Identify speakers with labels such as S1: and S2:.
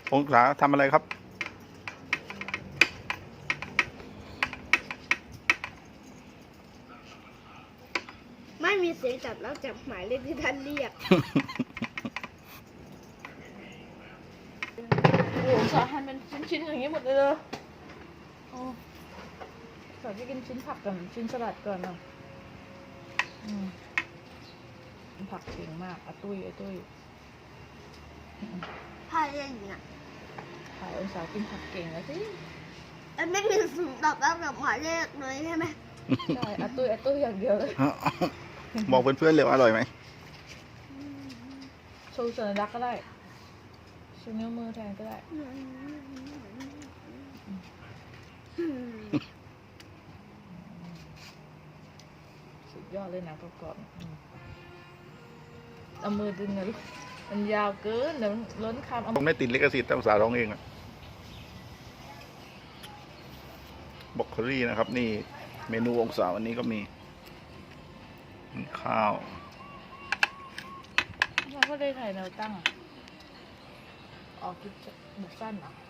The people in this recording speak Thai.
S1: องศาทำอะไรครับ
S2: ไม่มีเสียงจับแล้วจับหมายเลขที่ท่านเรียก
S3: โอ้โหสาหั่นเป็นชิ้นๆอย่างนี้หมดเลยเหรอโอ้สาจะกินชิ้นผักก่อนชิ้นสลัดก่อนเนาะผักเก่งมากอาตุ้ย
S2: พายอย่างเงี้ย
S3: ขายองศากินผักเก่งแล้วสิ
S2: แล้วไม่มีเสียงตอบรับกับหมายเลขเลยใช่ไหม
S3: ใช่อาตุ้ยอย่างเดียวเลย
S1: บอกเพื่อนๆเลยว่าอร่อยไหม
S3: โชว์สัญลักษณ์ก็ได้ชูนิ้วมือแทนก็ได้สุดยอดเลยนะกรอบๆเอามือดึงนะลูกมันยาวเกินเดี๋ยวมันล้นคำเอา
S1: ผมไม่ติดลิขสิทธิ์แต่ภาษาร้องเองอะบรอกโคลี่นะครับ นี่เมนูองศาวันนี้ก็มีข้าว
S3: เราก็ได้ถ่ายแนวตั้งออกคลิปบุกสั้นเหรอ